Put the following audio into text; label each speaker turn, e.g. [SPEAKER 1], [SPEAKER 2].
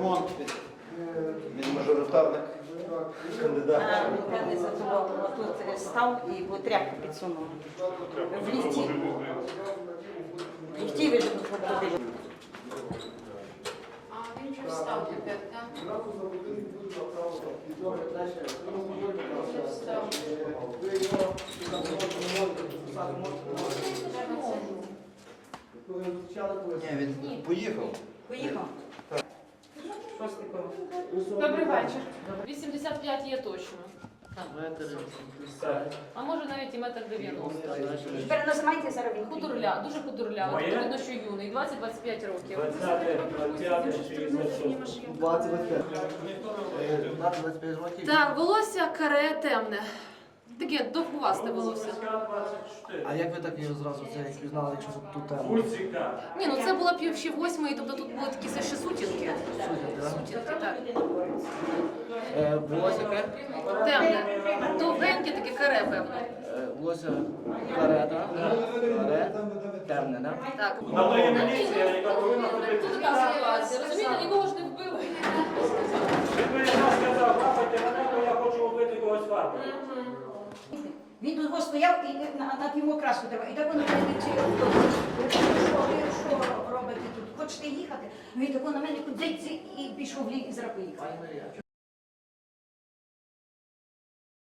[SPEAKER 1] ремонт. Він мажоритарник, кандидат.
[SPEAKER 2] Певний задоволено. Тут став і тряпку підсунув. В ліфті. В ліфті ви ж ходили.
[SPEAKER 3] А він вже встав тепер, так?
[SPEAKER 1] Ні, він поїхав.
[SPEAKER 2] Поїхав. Що з такого?
[SPEAKER 3] Добрий вечір. 85 є точно. А може навіть і метр 90.
[SPEAKER 2] Тепер нажимайте зараз він.
[SPEAKER 3] Дуже худорля. Тут видно, що юний, 20-25 років.
[SPEAKER 4] 20-25 років.
[SPEAKER 3] Так, волосся каре темне. Таке довгувасте волосся.
[SPEAKER 4] А як ви так його зразу це пізнали, якщо тут тема?
[SPEAKER 3] Ні, ну це була ще 8-ї, тобто тут були такі ще сутінки. Сутінки, так.
[SPEAKER 4] Волосся яке?
[SPEAKER 3] Темне. Довгеньке таке каре, певно.
[SPEAKER 4] Волосся каре, так? Каре, темне, так?
[SPEAKER 3] Так.
[SPEAKER 5] На то є міліція, яка повинна ходити.
[SPEAKER 3] Тут така ситуація. Розумієте, нікого ж не вбили.
[SPEAKER 5] Він би якраз сказав, лапайте мене, бо я хочу вбити когось фарбою.
[SPEAKER 2] Він тут стояв і на йому краску треба. І так воно мене чи що робите тут? Хочете їхати? Він тако на мене кудись і пішов в лік і зараз поїхав.